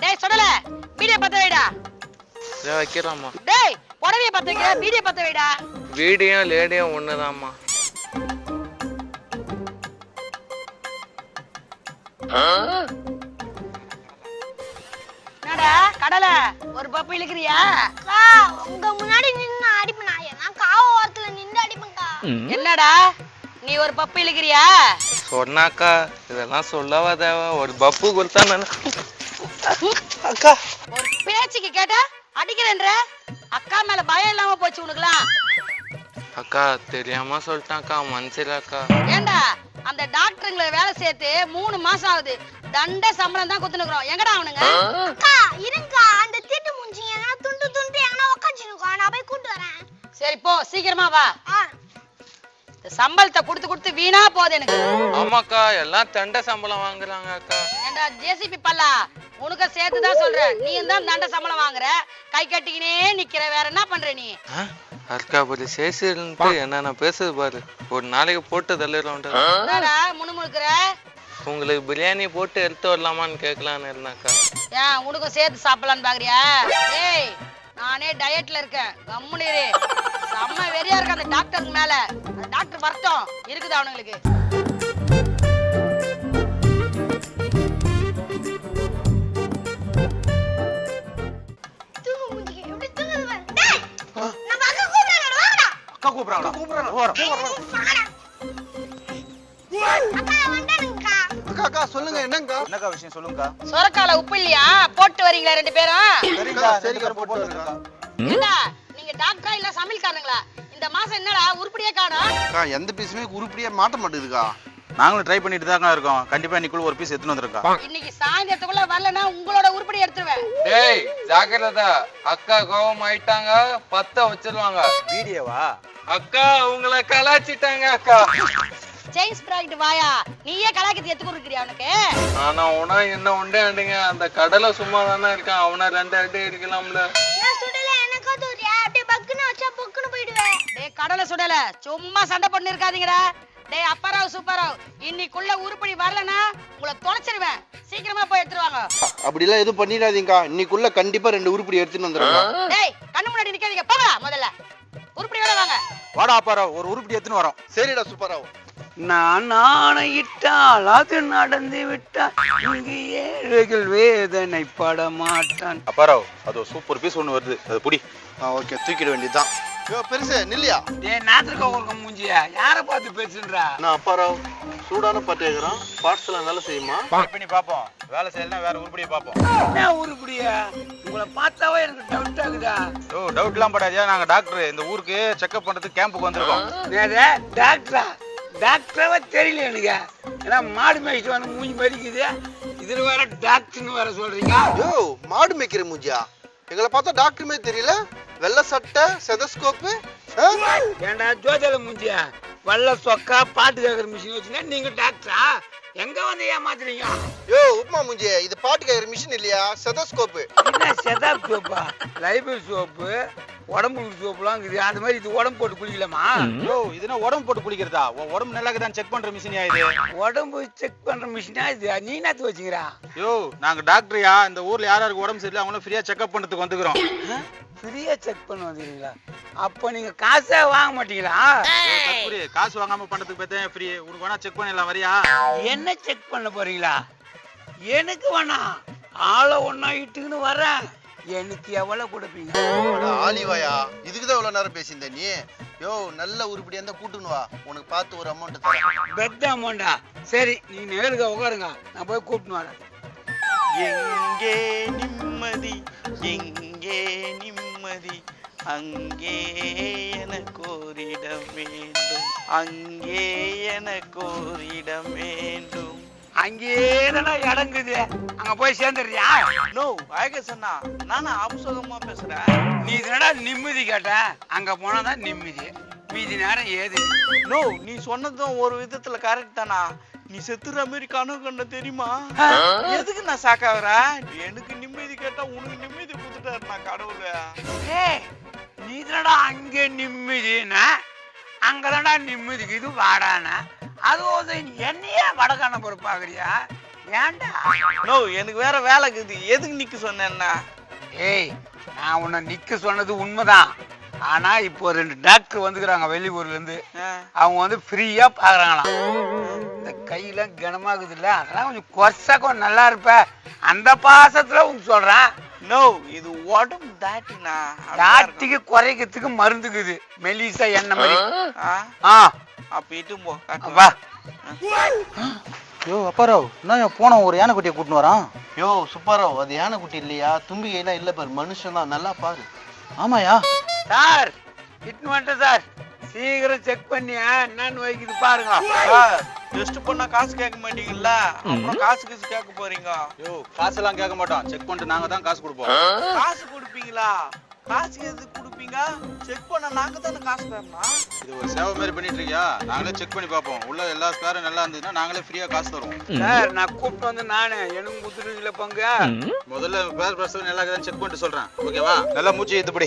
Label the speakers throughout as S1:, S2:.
S1: டேய் சொல்லல வீடியோ பத்த வைடா.
S2: வைக்கிறோம்மா.
S1: டேய் புடவைய பத்த வைக்கிற வீடியோ பத்த வைடா.
S2: வீடியோ லேடியோ ஒண்ணுதாம்மா.
S1: என்னடா கடல ஒரு பப்பு இழுக்கிறியா?
S3: உங்க முன்னாடி நின்னு அடிப்பேனா? நான் காவ ஓரத்துல நின்னு அடிப்பேன்க்கா.
S1: என்னடா நீ ஒரு பப்பு இழுக்கிறியா?
S2: சொன்னாக்கா இதெல்லாம் சொல்லவா தேவை? ஒரு பப்பு கொடுத்தா நான் அக்கா
S1: ஒரு பேச்சுக்கு கேட்டா அடிக்கிறேன்ற. அக்கா மேல பயம் இல்லாம போச்சு உனக்குலாம்.
S2: அக்கா தெரியாம சொல்லிட்டாக்கா, மனசிலக்கா.
S1: ஏண்டா அந்த டாக்டருங்களை வேலை சேர்த்து 3 மாசம் ஆகுது. தண்ட சம்பளம் தான் குத்துனுக்குறோம். எங்கடா அவனுங்க?
S3: அக்கா இருங்கக்கா, அந்த தீட்டு மூஞ்சிங்க நான் துண்டு துண்டு எங்கனா உட்காந்துருக்கோம். நான் போய் கூட்டு வரேன்.
S1: சரி போ சீக்கிரமா வா. சம்பளத்தை கொடுத்து கொடுத்து வீணா போகுது எனக்கு.
S2: ஆமாக்கா எல்லாம் தண்ட சம்பளம் வாங்குறாங்க அக்கா.
S1: ஏண்டா ஜேசிபி பல்லா உனக்கு சேர்த்துதான் சொல்றேன். நீ தான் தண்ட சம்பளம் வாங்குற, கை கட்டிக்கினே நிக்கிற. வேற என்ன பண்ற நீ?
S2: அக்கா ஒரு சேசிட்டு என்னென்ன பேசுது பாரு. ஒரு நாளைக்கு போட்டு தள்ளிடுறோம்.
S1: என்னடா முணுமுணுக்குற?
S2: உங்களுக்கு பிரியாணி போட்டு எடுத்து வரலாமான்னு கேட்கலான்னு இருந்தாக்கா.
S1: ஏன் உனக்கும் சேர்த்து சாப்பிடலான்னு பாக்குறியா? ஏய் நானே டயட்ல இருக்கேன், கம்முனு இரு. செம்ம வெறியா இருக்கு அந்த டாக்டருக்கு மேல. அந்த டாக்டர் வரட்டும், இருக்குதா அவனுங்களுக்கு?
S3: தூங்கு மூஞ்சிங்க எப்படி தூங்குது பாரு. டேய் நம்ம அக்கா கூப்பிடுறாங்க, வாங்கடா.
S4: அக்கா கூப்பிடுறாங்க.
S3: வாங்கடா. அக்கா வந்தானுங்கக்கா.
S4: அக்கா சொல்லுங்க என்னங்கா? என்னக்கா விஷயம் சொல்லுங்கக்கா.
S1: சொரக்கால உப்பு இல்லையா? போட்டு வரீங்களா 2 பேரும்?
S4: சரிக்கா போட்டு வந்துருக்கா.
S1: என்னடா நீங்க டாக்டரா இல்ல சமையல்காரங்களா? இந்த மாசம் என்னடா உருப்படியே காணோம்?
S4: அக்கா எந்த பீஸுமே உருப்படியா மாட்ட மாட்டேங்குதுக்கா. நாங்களும் ட்ரை பண்ணிட்டு தான் இருக்கோம். கண்டிப்பா இன்னைக்குள்ள ஒரு பீஸ் எடுத்துட்டு வந்திருக்கா.
S1: இன்னைக்கு சாயந்தரத்துக்குள்ள வரலனா உங்களோட உருப்படி எடுத்துருவேன்.
S2: டேய் ஜாக்கிரதா, அக்கா கோவம் ஆயிட்டாங்க, பத்த வச்சிருவாங்க.
S4: வீடியோவா?
S2: அக்கா உங்களை கலாச்சிட்டாங்க அக்கா.
S1: செயின்ஸ் ப்ராடக்ட் வாயா, நீயே கலாக்கத்தி எடுத்து இருக்கிறியா உனக்கு?
S2: ஆனா உனா என்ன உண்டே அண்டிங்க, அந்த கடலை சும்மா தானே இருக்கான். அவனா 2 அடி இருக்கலாம்ல.
S3: நான் சுடல, எனக்கா தூரியா அப்படியே பக்குன்னு வச்சா பொக்குன்னு போயிடுவேன்.
S1: டேய் கடலை சுடல, சும்மா சண்டை பண்ணி இருக்காதீங்கடா. டேய் அப்பராவ் சூப்பராவ், இன்னைக்குள்ள உருப்படி வரலனா உங்களை தொலைச்சிருவேன். சீக்கிரமா போய் எடுத்துருவாங்க.
S4: அப்படிலாம் எதுவும் பண்ணிடாதீங்கக்கா. இன்னைக்குள்ள கண்டிப்பா 2 உருப்படி எடுத்துட்டு வந்துருங்க.
S1: டேய் கண்ணு முன்னாடி நிக்காதீங்க, போங்க முதல்ல. உருப்படியோட வாங்க.
S4: வாடா அப்பாரா, ஒரு உருப்படி எடுத்துன்னு வரோம். சரிடா சூப்பராவ்.
S5: நான் ஆணையிட்டால் அது நடந்து விட்டால் இங்கு ஏழைகள் வேதனை பட மாட்டான்.
S4: அப்பாராவ் அது சூப்பர் பீஸ் ஒன்று வருது, அது புடி. ஓகே தூக்கிட வேண்டியதுதான். பெருசு நில்லையா?
S5: ஏன் நாத்திருக்க ஒரு மூஞ்சியா யாரை பார்த்து பேசுன்றா?
S4: நான் அப்பாராவ் சூடான பாட்டு கேட்குறோம். பார்ட்ஸ்லாம் நல்லா செய்யுமா? பண்ணி பார்ப்போம். வேலை செய்யலாம், வேற உருப்படியை பார்ப்போம்.
S5: என்ன உருப்படியா? உங்களை பார்த்தாவே எனக்கு டவுட் ஆகுதா?
S4: ஓ டவுட்லாம் படாதியா, நாங்கள் டாக்டர் இந்த ஊருக்கு செக்அப் பண்ணுறதுக்கு கேம்புக்கு வந்திருக்கோம்.
S5: டாக்டரா? டாக்டராவே தெரியல எனக்கு. ஏன்னா மாடு மேய்ச்சிட்டு வந்து மூஞ்சி மறிக்குது, இதுல வேற டாக்டர்னு வேற சொல்றீங்க.
S4: யோ மாடு மேய்க்கிற மூஞ்சியா? எங்களை பார்த்தா டாக்டருமே தெரியல. வெள்ளை சட்டை, செதஸ்கோப்பு.
S5: ஏண்டா ஜோதியில மூஞ்சியா? வல்ல சொக்கா பாட்டு கேட்கற மிஷின் வச்சுன்னா நீங்க டாக்டரா? எங்க வந்து ஏமாத்துறீங்க?
S4: யோ உப்மா மூஞ்சியா, இது பாட்டு கேட்கற மிஷின் இல்லையா, செதஸ்கோப்பு.
S5: என்ன செதாப் சோப்பா? லைபிள் சோப்பு, உடம்பு சோப்புலாம் இருக்குது. அந்த மாதிரி இது உடம்பு போட்டு குளிக்கலாமா?
S4: யோ இதுனா உடம்பு போட்டு குளிக்கிறதா? உடம்பு நல்லா இருக்குதான் செக் பண்ற மிஷினியா இது?
S5: உடம்பு செக் பண்ற மிஷினா இது? நீ என்னத்து வச்சுக்கிறா?
S4: யோ நாங்க டாக்டர்யா, இந்த ஊர்ல யாராருக்கு உடம்பு சரியில்லை அவங்களும் ஃப்ரீயா செக்அப் பண்றதுக்கு வந்துக்கிறோம்.
S5: ஃப்ரீயா செக் பண்ண வந்துக்கிறீங்களா? அப்ப நீங்க காசே வாங்க மாட்டீங்களா?
S4: காசு வாங்காம பண்றதுக்கு பார்த்தா ஃப்ரீ. உனக்கு வேணா செக் பண்ணிடலாம், வரியா?
S5: என்ன செக் பண்ண போறீங்களா? எனக்கு வேணாம், ஆளை ஒன்னா இட்டுக்குன்னு வரேன். எனக்கு எவ்வளவு கொடுப்பீங்க?
S4: ஆலிவாயா, இதுக்குதான் இவ்வளவு நேரம் பேசியிருந்த நீ. யோ நல்ல உருப்படியா இருந்தா கூட்டுன்னு வா, உனக்கு பார்த்து ஒரு அமௌண்ட் தரேன்.
S5: பெத்த அமௌண்டா? சரி நீங்க நேருங்க உட்காருங்க, நான் போய் கூப்பிட்டு வரேன்.
S6: எங்கே நிம்மதி, எங்கே நிம்மதி, அங்கே எனக்கு ஒரு இடம் வேண்டும், அங்கே எனக்கு ஒரு இடம் வேண்டும்.
S5: அங்கேதானா இடங்குது, அங்க போய் சேர்ந்துடுறியா?
S6: நோ அழக சொன்னா நானும் அவசரமா பேசுறேன்.
S5: நீ என்னடா நிம்மதி கேட்ட? அங்க போனாதான் நிம்மதி, மீதி நேரம் ஏது?
S6: நோ நீ சொன்னதும் ஒரு விதத்துல கரெக்ட் தானா. நீ செத்துற மாதிரி கனவு கண்ட தெரியுமா? எதுக்கு நான் சாக்காகிறேன்? எனக்கு நிம்மதி கேட்டா உனக்கு நிம்மதி கொடுத்துட்டாரு நான் கடவுள.
S5: நீ தானடா அங்கே நிம்மதினா, அங்கதான்டா நிம்மதிக்கு இது வாடானா. அது என்னையே வடக்கான பொறுப்பு பாக்குறியா? ஏன்டா
S6: நோ எனக்கு வேற வேலை இருக்குது, எதுக்கு நிக்க சொன்னேன்னா?
S5: ஏய் நான் உன்னை நிக்க சொன்னது உண்மைதான். ஆனா இப்போ 2 டாக்டர் வந்துக்கிறாங்க வெளியூர்ல இருந்து. அவங்க வந்து ஃப்ரீயா பாக்குறாங்களாம். இந்த கையில கனமாகுது இல்ல, அதெல்லாம் கொஞ்சம் கொசா கொஞ்சம் நல்லா இருப்ப, அந்த பாசத்துல உனக்கு சொல்றேன்.
S6: நோ இது உடம்பு தாட்டினா
S5: தாட்டிக்கு குறைக்கிறதுக்கு மருந்துக்குது, மெலிசா எண்ணெய் மாதிரி.
S6: அப்ப இட்டு போ
S5: வா.
S7: யோ அப்பாராவ், என்ன போன ஒரு யானைக்குட்டியை கூட்டின்னு வரான்?
S4: யோ சுப்பாராவ், அது யானைக்குட்டி இல்லையா, தும்பிக்கையெல்லாம் இல்ல பாரு, மனுஷன் தான், நல்லா பாரு.
S7: ஆமாயா
S5: சார் இட்னு வந்துட்டேன் சார், சீக்கிரம் செக் பண்ணி என்னன்னு வைக்குது பாருங்க.
S6: டெஸ்ட் பண்ணா காசு கேட்க மாட்டீங்கல்ல, அப்புறம் காசு கேட்க போறீங்க.
S7: யோ காசெல்லாம் கேட்க மாட்டோம், செக் பண்ணிட்டு நாங்க தான் காசு கொடுப்போம்.
S6: காசு கொடுப்பீங்களா? காசு எதுக்கு கொடுப்பீங்க? செக் பண்ண நாங்க தானே காசு தரணும்.
S7: இது ஒரு சேவை மாதிரி பண்ணிட்டு இருக்கியா? நாங்களே செக் பண்ணி பார்ப்போம், உள்ள எல்லா ஸ்பேரும் நல்லா இருந்ததுன்னா நாங்களே ஃப்ரீயா காசு தருவோம்.
S5: சார் நான் கூப்பிட்டு வந்து நானு எனக்கு குத்துருவில பங்கு.
S7: முதல்ல பேர் பிரசவம் நல்லா இருக்குதான்னு செக் பண்ணிட்டு சொல்றேன், ஓகேவா? நல்லா மூச்சு ஏத்துப்படி.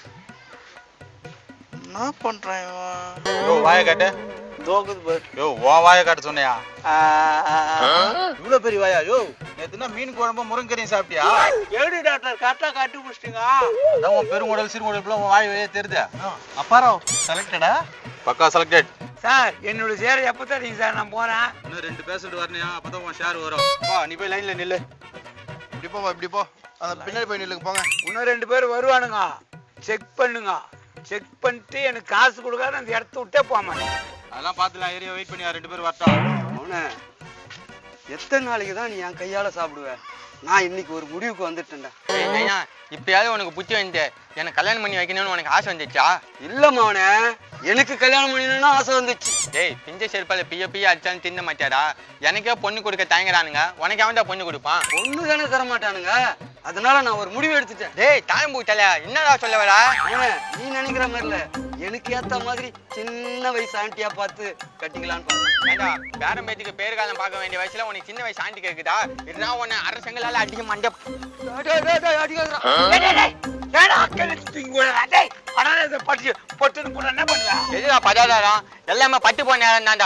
S6: என்ன பண்றேன்
S7: யோ வாயை காட்டு.
S6: தோக்குது பாரு.
S7: யோ உன் வாயை காட்ட சொன்னையா? இவ்வளவு பெரிய வாயா? யோ நேத்துனா மீன் குழம்பு முருங்கரையும் சாப்பிட்டியா?
S6: எப்படி டாக்டர் கரெக்டா காட்டி முடிச்சிட்டீங்க?
S7: அதான் உன் பெருங்குடல் சிறுங்குடல் உன் வாய் வழியே தெரியுது.
S4: அப்பாராவ் செலக்டடா?
S7: பக்கா செலக்டட்.
S5: சார் என்னோட சேரை எப்போ தரீங்க சார்? நான் போறேன்.
S7: இன்னும் 2 பேஷண்ட் வரணையா, அப்பதான் உன் ஷேர் வரும். வா நீ போய் லைன்ல நில்லு.
S4: இப்படி போமா, இப்படி போ, அந்த பின்னாடி போய் நில்லுங்க போங்க.
S5: இன்னும் 2 பேர் வருவானுங்க, செக் பண்ணுங்க. செக் பண்ணிட்டு எனக்கு காசு கொடுக்காத அந்த இடத்த விட்டே போமா.
S7: அதெல்லாம் பார்த்துலாம், ஏரியா வெயிட் பண்ணி 2 பேர் வரட்டும்.
S8: அவனே எத்தனை நாளைக்கு தான் நீ என் கையால சாப்பிடுவ? நான் இன்னைக்கு ஒரு முடிவுக்கு வந்துட்டேன்டா.
S2: இப்பயாவது உனக்கு புத்தி வந்து எனக்கு கல்யாணம் பண்ணி வைக்கணும்னு உனக்கு ஆசை வந்துச்சா?
S8: இல்லம்மா அவனே, எனக்கு கல்யாணம் பண்ணணும்னு ஆசை வந்துச்சு.
S2: டேய் பிஞ்ச செருப்பால பிய அடிச்சாலும் தின்ன மாட்டாடா. எனக்கே பொண்ணு கொடுக்க தயங்குறானுங்க, உனக்கு அவன்டா பொண்ணு கொடுப்பான்?
S8: ஒண்ணு தானே தர மாட்டானுங்க, அதனால நான் ஒரு முடிவு எடுத்துட்டேன்.
S2: டேய் தாயம் பூட்டல என்னடா சொல்ல வரா?
S8: அவனே நீ நினைக்கிற மாதிரி இல்ல, எனக்கு ஏத்த மாதிரி சின்ன வயசு ஆண்டியா பார்த்து கட்டிக்கலான்னு பாருங்க.
S2: ஏண்டா பேரம் பேத்திக்கு பேரு காலம் பார்க்க வேண்டிய வயசுல உனக்கு சின்ன வயசு ஆண்டி கேக்குதா? இதுதான் உன்னை அரசங்களால அடிக்க மண்ட எதுடா பதாதாரம் எல்லாமே பட்டு போன நேரம் தான்டா.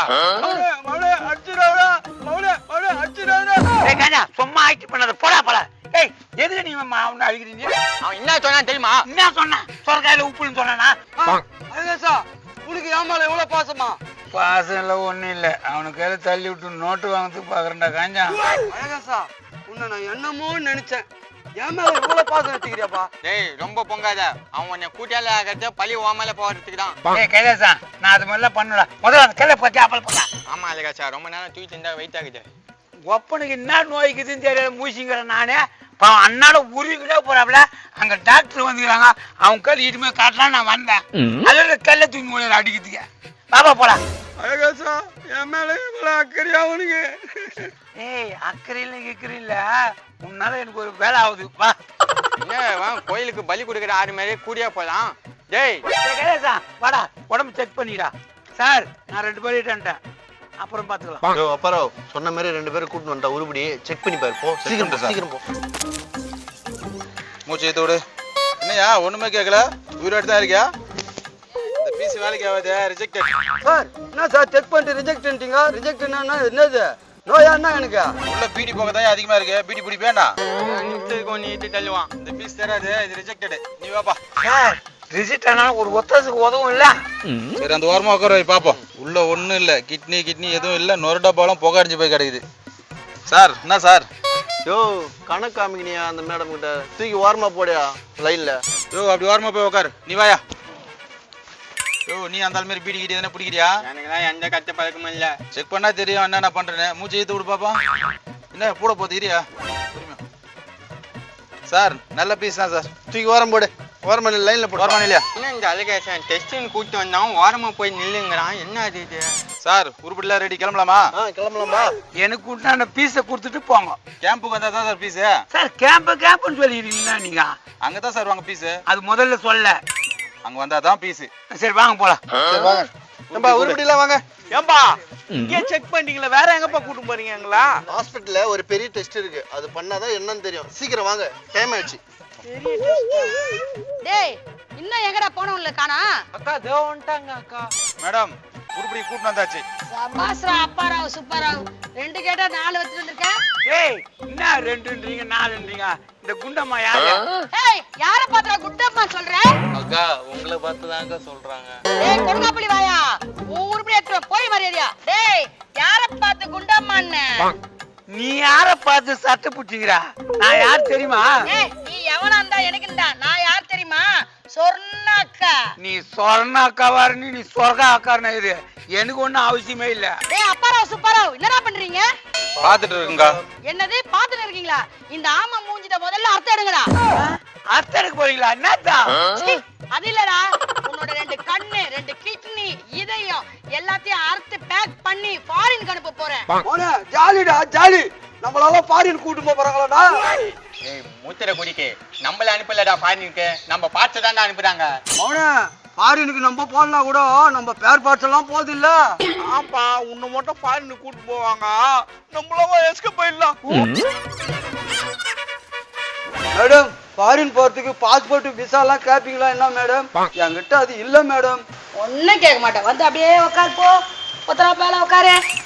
S5: சும்மா ஆக்ட் பண்ணாத, போடா போல. ஏய் எதுக்கு நீ அவனை அழுகிறீங்க?
S2: அவன் என்ன சொன்னா தெரியுமா?
S5: என்ன சொன்னா? சொர்க்காயில உப்புன்னு சொன்னா?
S8: உனக்கு ஏமால எவ்வளவு பாசமா?
S5: பாசம் இல்ல ஒண்ணும் இல்ல, அவனுக்கு கையில தள்ளி விட்டு நோட்டு வாங்கறதுக்கு பாக்குறேன்டா காஞ்சா.
S8: அழகாசா உன்னை நான் என்னமோ நினைச்சேன், என் மேல எவ்வளவு பாசம் வச்சுக்கிறியாப்பா?
S2: டேய் ரொம்ப பொங்காத, அவன் உன்னை கூட்டியால ஆகிறத பழி ஓமல போறதுக்கு தான்.
S5: ஏய் கைலாசா, நான் அது மாதிரிலாம் பண்ணல. முதல்ல அந்த கையில பத்தி ஆப்பல் போடா.
S2: ஆமா அழகாச்சா, ரொம்ப நேரம் தூக்கி இருந்தா வெயிட் ஆகுது.
S5: ஒப்பனுக்கு என்ன நோய்க்குதுன்னு தெரியல, மூசிங்கிறேன் நானே. பாவம் அண்ணாட உருவிக்கிட்டே போறாப்ல, அங்க டாக்டர் வந்துக்கிறாங்க, அவங்க கையில் இட்டுமே காட்டலாம் நான் வந்தேன். அதோட கல்ல தூக்கி முடியல அடிக்கிறதுக்கு. பாப்பா போலாம்.
S8: அழகாசா என் மேல எவ்வளவு அக்கறையா அவனுக்கு?
S5: ஏய் அக்கறையில கேக்குறீல்ல, உன்னால எனக்கு ஒரு வேலை ஆகுது. வா
S2: என்ன கோயிலுக்கு பலி கொடுக்குற 6 மாதிரி கூடியா போலாம். டேய்
S5: கைலாசா வாடா, உடம்பு செக் பண்ணிடா. சார் நான் 2 பேர்ட்டேன், அப்புறம் பாத்துக்கலாம்.
S4: யோ அப்பாராவ், சொன்ன மாதிரி 2 பேரை கூட்டின்னு வந்துட்டா, உருப்படி செக் பண்ணி பாரு, போ சீக்கிரம் போ, சீக்கிரம் போ.
S7: மூச்சு ஏத்து விடு. என்னையா ஒண்ணுமே கேட்கல, உயிரோடு தான் இருக்கியா? இந்த பீஸ் வேலைக்கு ஆகாது, ரிஜெக்டட்.
S8: சார் என்ன சார் செக் பண்ணிட்டு ரிஜெக்ட்ன்றீங்க? ரிஜெக்ட் என்னது? நோயா என்ன எனக்கு?
S7: உள்ள பீடி போக தான் அதிகமா இருக்கு, பீடி பிடி வேண்டாம்.
S2: நிமிஷத்துக்கு ஒன்று இட்டு தள்ளுவான்.
S7: இந்த பீஸ் தராது, இது ரிஜெக்டட். நீ வாப்பா.
S5: சார் ரிசிட் ஆனாலும் ஒரு ஒத்தாசுக்கு உதவும் இல்ல.
S7: சரி அந்த ஓரமா உட்கார வை பாப்போம். உள்ள ஒண்ணும் இல்ல, கிட்னி எதுவும் இல்ல, நொரடா பாலம் புகை அடிச்சு போய் கிடக்குது. சார் என்ன சார்?
S4: யோ கணக்கு காமிக்கினியா அந்த மேடம் கிட்ட, தூக்கி ஓரமா போடியா லைன்ல.
S7: யோ அப்படி ஓரமா போய் உட்காரு, நீ வாயா. யோ நீ அந்த மாதிரி பீடி கிட்டி எதனா பிடிக்கிறியா?
S2: எனக்குலாம் எந்த கட்ட பழக்கமும் இல்ல.
S7: செக் பண்ணா தெரியும் என்னென்ன பண்றேன்னு. மூச்சு ஏத்து விடு பாப்பா. என்ன கூட போகுது இரியா. சார் நல்ல பீஸ் தான் சார்,
S4: தூக்கி ஓரம் போடு, ஓரமா நில்லு, லைன்ல போடு.
S7: ஓரமா இல்லையா?
S2: என்ன இந்த அழகேசன் டெஸ்டின்னு கூப்பிட்டு வந்தான், ஓரமா போய் நில்லுங்கிறான். என்ன அது இது?
S7: சார் உருப்படிலாம் ரெடி, கிளம்பலாமா?
S4: கிளம்பலாம்பா.
S5: எனக்கு உண்டான பீஸை கொடுத்துட்டு போங்க.
S7: கேம்புக்கு வந்தா தான் சார் பீஸ்.
S5: சார் கேம்ப்னு சொல்லிடுறீங்களா நீங்க?
S7: அங்கதான் சார் வாங்க பீஸ்.
S5: அது முதல்ல சொல்ல.
S7: அங்க வந்தா தான் பீஸ்.
S5: சரி வாங்க போலாம்.
S4: சரி வாங்க. ஏம்பா உருப்படிலாம் வாங்க.
S6: ஏம்பா இங்கே செக் பண்ணிட்டீங்களா? வேற எங்கப்பா கூட்டு போறீங்களா?
S4: ஹாஸ்பிடல்ல ஒரு பெரிய டெஸ்ட் இருக்கு, அது பண்ணாதான் என்னன்னு தெரியும். சீக்கிரம் வாங்க, டைம் ஆயிடுச்சு.
S1: டேய் இன்னும் எங்கடா போனவங்கள காணா?
S6: அக்கா தோ வந்துட்டாங்க அக்கா.
S7: மேடம் உருப்படி கூட்டு வந்தாச்சு.
S1: சபாஸ்ரா அப்பாராவ் சூப்பராவ், 2 கேட்டா 4 வச்சுட்டு வந்திருக்க.
S5: ஏய் என்ன ரெண்டுன்றீங்க நாலுன்றீங்க இந்த குண்டம்மா யாரு
S1: ஏய் யார பாத்துற குண்டம்மா சொல்ற
S2: அக்கா உங்களை பார்த்து தான்க்கா சொல்றாங்க.
S1: டேய் கொடுங்காப்புளி வாயா ஊருப்படி ஏத்துற போய் மரியாதையா டேய் யார பார்த்து குண்டம்மான்னு
S5: நீ யார பார்த்து சட்டை புடிச்சிக்கிறா நான் யார் தெரியுமா
S1: ஏய் நீ எவனா இருந்தா எனக்குடா நான் யார் தெரியுமா சொர்ணாக்கா
S5: நீ சொர்ணாக்காவாருன்னு நீ சொர்க்கா ஆக்காரன இது எனக்கு ஒண்ணும் அவசியமே இல்ல
S1: டேய் அப்பாராவ் சுப்பாராவ் என்னடா பண்றீங்க
S7: பாத்துட்டு இருக்குங்கா.
S1: என்னது பாத்துட்டு இருக்கீங்களா இந்த ஆமா மூஞ்சிட்ட முதல்ல அர்த்தம் எடுங்கடா
S5: அர்த்தம் எடுக்க போறீங்களா என்னத்தா
S1: சீ, அது இல்லடா உன்னோட 2 கண்ணு 2 கிட்னி இதயம் எல்லாத்தையும் அறுத்து பேக் பண்ணி ஃபாரின் அனுப்ப போறேன்
S8: மோனே ஜாலிடா ஜாலி நம்மளால ஃபாரின் கூட்டு போறாங்களாடா
S9: ஏய் மூத்திர குடிக்கு நம்மள அனுப்பலடா ஃபாரினுக்கு நம்ம பார்த்து தானே அனுப்புறாங்க.
S8: மோனே ஃபாரினுக்கு நம்ம போடலாம் கூட நம்ம பேர் பார்ட்ஸ் எல்லாம் போகுது இல்ல
S6: ஆப்பா உன்னை மட்டும் ஃபாரின் கூட்டு போவாங்க நம்மளவா எஸ்கேப் ஆயிடலாம்.
S8: மேடம் ஃபாரின் போறதுக்கு பாஸ்போர்ட் விசா எல்லாம் கேப்பீங்களா என்ன மேடம் என்கிட்ட அது இல்ல மேடம்
S1: ஒன்னும் கேட்க மாட்டேன் வந்து அப்படியே உட்காரு போ ஒத்தரா பேல உட்காரு